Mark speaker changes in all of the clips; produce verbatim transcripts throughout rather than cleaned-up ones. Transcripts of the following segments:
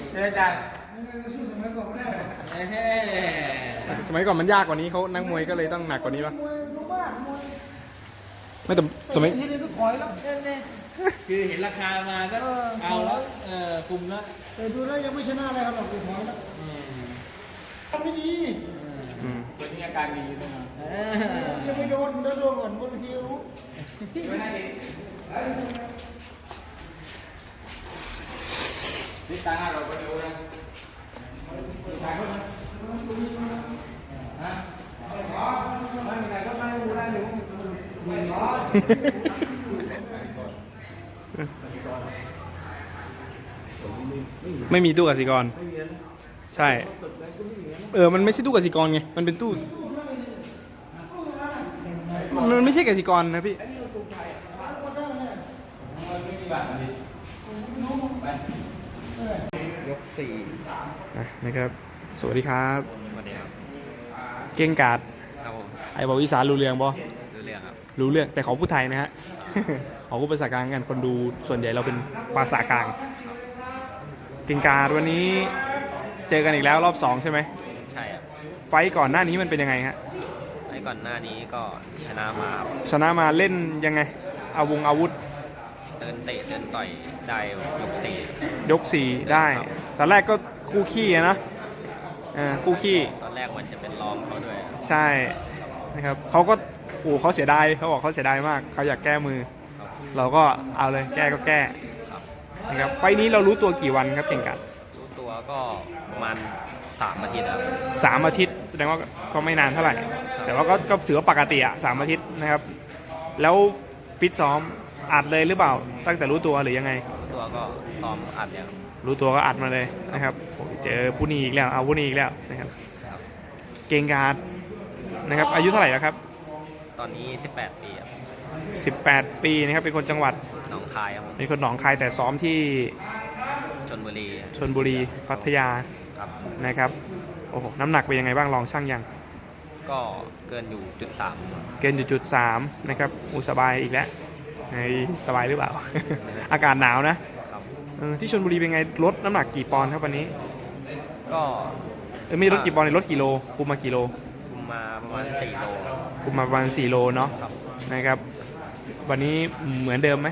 Speaker 1: อาจารย์
Speaker 2: สู้สมัยก่อนไม่ได้หรอก
Speaker 3: สมัยก่อนมันยากกว่านี้เขานักมวยก็เลยต้องหนักกว่านี้ปะ
Speaker 2: มวยมากมวย
Speaker 3: ไม่แต่สมัย
Speaker 2: ทีนี้ก็ถอยแล้ว
Speaker 1: คือเห็นราคามาก็เอาแล้วเออกลุ่มแล้ว
Speaker 2: แต่ดูแล้วยังไม่ชนะอะไรครับหรอกถอยแล้วทำไม่ดี
Speaker 3: อืม
Speaker 1: ตัวนี้อาการดีใช่ไหม
Speaker 2: ยังไม่โดนแล้วโดนก่อนบางทีรู้
Speaker 1: นี่ตาหน้าเราก็ดูนะถ่ายรูปนะฮะไม่มีใครก็ไม่รู้ได้อยู่ไม่ร้อน
Speaker 3: ไม่มีตู้กสิกรใช่เออมันไม่ใช่ตู้กสิกรไงมันเป็นตู้มันไม่ใช่กสิกรนะพี่
Speaker 1: ยกสี่
Speaker 3: อ่ะนะครับสวัสดีครับ
Speaker 1: สวัสดีครับ
Speaker 3: เก่งกาด
Speaker 1: ครับผม
Speaker 3: ไอ้บอกอีสานรู้เรื่องบ่
Speaker 1: ดูเรื่องครับ
Speaker 3: รู้เรื่องแต่เขาพูดไทยนะฮะ เขาพูดภาษากลางกันคนดูส่วนใหญ่เราเป็นภาษากลางเก่งกาดวันนี้เจอกันอีกแล้วรอบสองใช่ไหม
Speaker 1: ใช่ครับ
Speaker 3: ไฟต์ก่อนหน้านี้มันเป็นยังไงฮะ
Speaker 1: ไอ้ก่อนหน้านี้ก็ชนะมาครับ
Speaker 3: ชนะมาเล่นยังไงเอาวงอาวุธ
Speaker 1: เดินเตะเดินต่อยได้ยกสี่
Speaker 3: ยกสี่ได้ตอนแรกก็คู่ขี้อะนะเออคู่ขี้
Speaker 1: ตอนแรกมันจะเป็นรองเขาด้วย
Speaker 3: ใช่นะครับเขาก็โอ้เขาเสียดายเขาบอกเขาเสียดายมากเขาอยากแก้มือ เราก็เอาเลยแก้ก็แก้
Speaker 1: ครับ
Speaker 3: นะครับไฟล์นี้เรารู้ตัวกี่วันครับเก่งกัด
Speaker 1: รู้ตัวก็ประมาณสามอาทิตย์ครับ
Speaker 3: สามอาทิตย์แสดงว่าก็ไม่นานเท่าไหร่ แต่ว่าก็ก็ถือว่าปกติอะสามอาทิตย์นะครับ แล้วฟิตซ้อมอัดเลยหรือเปล่าตั้งแต่รู้ตัวหรือยังไง
Speaker 1: รู้ตัวก็ซ้อมอัดเนี่ย
Speaker 3: รู้ตัวก็อัดมาเลยนะครับโอ้ยเจอผู้นี้อีกแล้วเอาผู้นี้อีกแล้วนะครับ
Speaker 1: ครับ
Speaker 3: เก่งการ์ดนะครับอายุเท่าไหร่แล้วครับ
Speaker 1: ตอนนี้สิบแปดปีครับ
Speaker 3: สิบแปดปีนะครับเป็นคนจังหวัด
Speaker 1: หนองคายครับผม
Speaker 3: เป็นคนหนองคายแต่ซ้อมที่
Speaker 1: ชลบุรี
Speaker 3: ชลบุรีพัทยา
Speaker 1: ครับ
Speaker 3: นะครับโอ้โหน้ำหนักเป็นยังไงบ้างลองช่างยัง
Speaker 1: ก็เกินอยู่จุดสาม
Speaker 3: เกินจุดสามนะครับอุยสบายอีกแล้วไอ้สบายหรือเปล่า อากาศหนาวนะครับ เออที่ชลบุรีเป็นไงลดน้ำหนักกี่ปอนด์ครับวันนี้
Speaker 1: ก็
Speaker 3: เออไม่ลดกี่ปอนด์เลยลดกี่โลคุมมากี่โล
Speaker 1: คุมมาประมาณสี่โล
Speaker 3: คุมมาประมาณสี่โลเนาะ
Speaker 1: ครับ
Speaker 3: นะครับวันนี้เหมือนเดิมไหม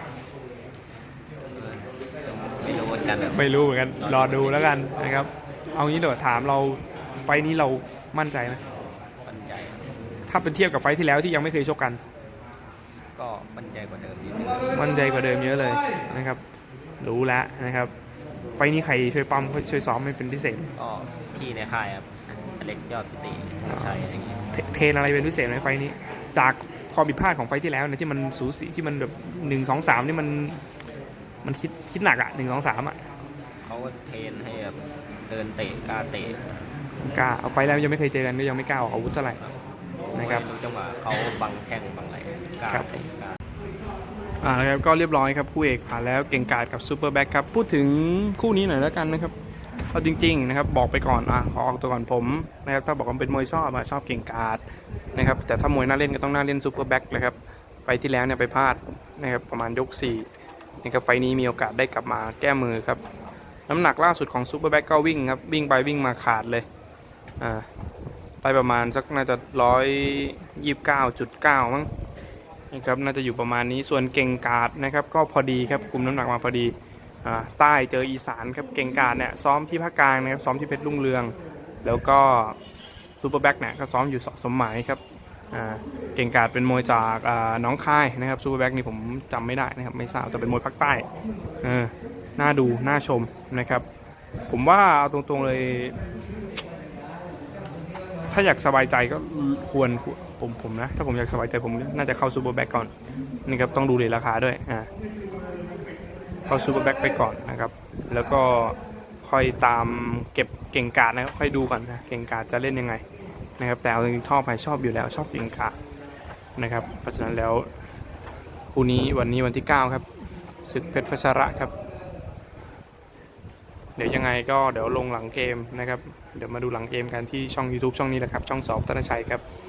Speaker 1: ไม่รู้เหมือนกันครับ
Speaker 3: ไม่รู้เหมือนกันรอดูแล้วกันนะครับเอางี้เดี๋ยวถามเราไฟล์นี้เรามั่นใจไหม
Speaker 1: มั่นใจ
Speaker 3: ถ้าเป็นเทียบกับไฟล์ที่แล้วที่ยังไม่เคยชกกัน
Speaker 1: ก็มั่นใจกว่าเดิมนิดนึง
Speaker 3: มั่นใจกว่าเดิมเยอะเลยนะครับรู้แล้วนะครับไฟล์นี้ใครช่วยปั๊มช่วยซ้อมให้เป็นพิเศษ
Speaker 1: ก็พี่ในค่ายครับอเล็กยอดพิติใช่อะไรอย่างงี้
Speaker 3: เทเทรนอะไรเป็นพิเศษไหมไฟล์นี้ จากความผิดพลาดของไฟล์ที่แล้วเนี่ยที่มันสูสีที่มันแบบหนึ่งสองสามนี่มันมันคิดคิดหนักอ่ะหนึ่งสองสามอ่ะ
Speaker 1: เขาก็เทรนให้แบบเดินเตะกล้าเตะ
Speaker 3: กล้าเอาไฟล์แล้วยังไม่เคยเจอกันก็ยังไม่กล้าออกอาวุธเท่าไหร่ นะครับ
Speaker 1: ไม่รู้จังหวะเขาบังแข้งบังอะไรกล้า
Speaker 3: ครับ
Speaker 1: เตะกล้า
Speaker 3: อ่าแล้วครับก็เรียบร้อยครับคู่เอกผ่านแล้วเก่งกาจกับซูเปอร์แบ็คครับพูดถึงคู่นี้หน่อยแล้วกันนะครับเอาจริงๆนะครับบอกไปก่อนอ่ะขอออกตัวก่อนผมนะครับถ้าบอกว่าเป็นมวยชอบอ่ะชอบเก่งกาจนะครับแต่ถ้ามวยน่าเล่นก็ต้องน่าเล่นซูเปอร์แบ็คเลยครับไฟที่แล้วเนี่ยไปพลาดนะครับประมาณยกสี่นะครับไฟนี้มีโอกาสได้กลับมาแก้มือครับน้ำหนักล่าสุดของซูเปอร์แบ็คก็วิ่งครับวิ่งไปวิ่งมาขาดเลยอ่าไปประมาณสักน่าจะร้อยยี่สิบเก้าจุดเก้ามั้ง นะครับน่าจะอยู่ประมาณนี้ส่วนเก่งกาดนะครับก็พอดีครับคุมน้ำหนักมาพอดีอ่าใต้เจออีสานครับเก่งกาดเนี่ยซ้อมที่ภาคกลางนะครับซ้อมที่เพชรรุ่งเรือง แล้วก็ซูเปอร์แบ็คเนี่ยก็ซ้อมอยู่สมหมายครับอ่าเก่งกาดเป็นมวยจากอ่าน้องคายนะครับซูเปอร์แบ็คนี่ผมจำไม่ได้นะครับไม่ทราบแต่เป็นมวยภาคใต้เออน่าดูน่าชมนะครับผมว่าเอาตรงๆเลย ถ้าอยากสบายใจก็ควรผมผมนะถ้าผมอยากสบายใจผมน่าจะเข้าซูเปอร์แบ็กก่อนนี่ครับต้องดูเลยราคาด้วยอ่าเข้าซูเปอร์แบ็กไปก่อนนะครับแล้วก็ค่อยตามเก็บเก่งกาจนะครับค่อยดูก่อนนะเก่งกาจจะเล่นยังไงนะครับแต่เอาจริงๆชอบไปชอบอยู่แล้วชอบเก่งกาจนะครับเพราะฉะนั้นแล้วคู่นี้วันนี้วันที่เก้าครับศึกเพชรพัชระครับเดี๋ยวยังไงก็เดี๋ยวลงหลังเกมนะครับเดี๋ยวมาดูหลังเกมกันที่ช่อง YouTube ช่องนี้แหละครับช่องสอบธนชัยครับ